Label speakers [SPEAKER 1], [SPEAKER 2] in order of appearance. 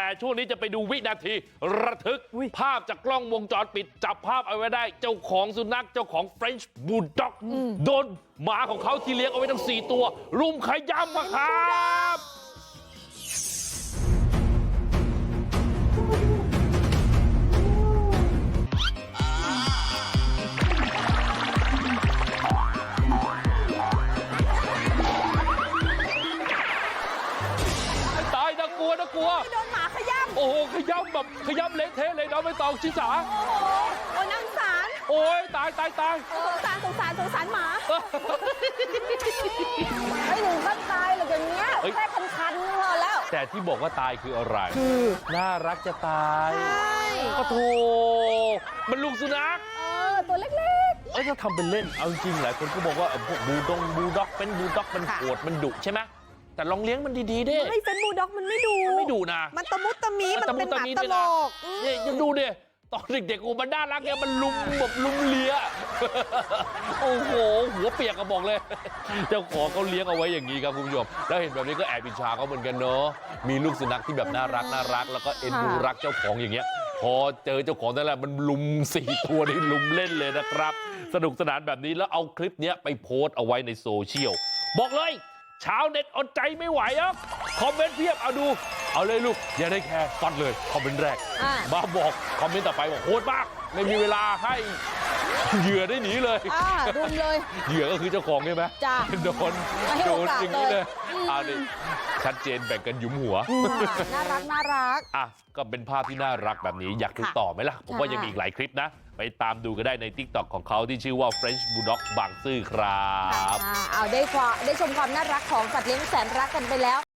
[SPEAKER 1] ช่วงนี้จะไปดูวินาทีระทึกภาพจากกล้องวงจรปิดจับภาพเอาไว้ได้เจ้าของสุนัขเจ้าของ French Bulldog โดนหมาของเขาที่เลี้ยงเอาไว้ทั้ง4ตัวรุมขย้ำมาครับ ตายน่ากลัวน่ากลัว
[SPEAKER 2] โดนหมาขย้ำ
[SPEAKER 1] โอ้โหขย้ำแบบขย้ำเละเทะเลยน้องไม่ตองชิสา
[SPEAKER 2] โอ้นั่งสาร
[SPEAKER 1] โอ้ยตาย
[SPEAKER 2] สงสารหมาไม่ถึงขั้นตายหรอกอย่างเงี้ยแค่คันๆพอแล้ว
[SPEAKER 1] แต่ที่บอกว่าตายคืออะไรน่ารักจะตาย
[SPEAKER 2] ใช่
[SPEAKER 1] ก็โถมันลูกสุนัข
[SPEAKER 2] ตัวเล็ก
[SPEAKER 1] ๆถ้าทำเป็นเล่นเอาจริงหลายคนก็บอกว่าพวกบูลด็อกเป็นบูลด็อกมันโหดมันดุใช่ไหมแต่ลองเลี้ยงมันดีๆดิ
[SPEAKER 2] ไม่เป็นบูลด็อกมันไม่ดุนะมันตะมุตะมีมันเป็นหมาตลก
[SPEAKER 1] นี่ยังดูดิตอนเด็กๆโอ้มันน่ารักเนี่ยมันลุมแบบลุมเลียโอ้โหหัวเปียกก็บอกเลยเจ้าของเขาเลี้ยงเอาไว้อย่างนี้ครับคุณผู้ชมแล้วเห็นแบบนี้ก็แอบอิจฉาเขาเหมือนกันเนาะมีลูกสุนัขที่แบบน่ารักแล้วก็เอ็นดูรักเจ้าของอย่างเงี้ยพอเจอเจ้าของนั่นแหละมันลุม4ตัวนี่ลุมเล่นเลยนะครับสนุกสนานแบบนี้แล้วเอาคลิปนี้ไปโพสต์เอาไว้ในโซเชียลบอกเลยชาวเน็ตอดใจไม่ไหวอ่ะคอมเมนต์เพียบเอาดูเอาเลยลูกอย่าได้แคร์ฟัดเลยคอมเมนต์แรกมาบอกคอมเมนต์ต่อไปบอกโคตรมากไม่มีเวลาให้เหยื่อได้หนีเลย
[SPEAKER 2] รุมเลย
[SPEAKER 1] เหยื่อก็คือเจ้าของใช่ไหมโดนอย่างนี้เลยนี่ชัดเจนแบ่งกันหยุมหัว
[SPEAKER 2] น่ารัก
[SPEAKER 1] ก็เป็นภาพที่น่ารักแบบนี้อยากดูต่อไหมล่ะผมว่ายังมีอีกหลายคลิปนะไปตามดูก็ได้ใน TikTok ของเขาที่ชื่อว่า French Bulldog บางซื่อครับ
[SPEAKER 2] ได้ชมความน่ารักของสัตว์เลี้ยงแสนรักกันไปแล้ว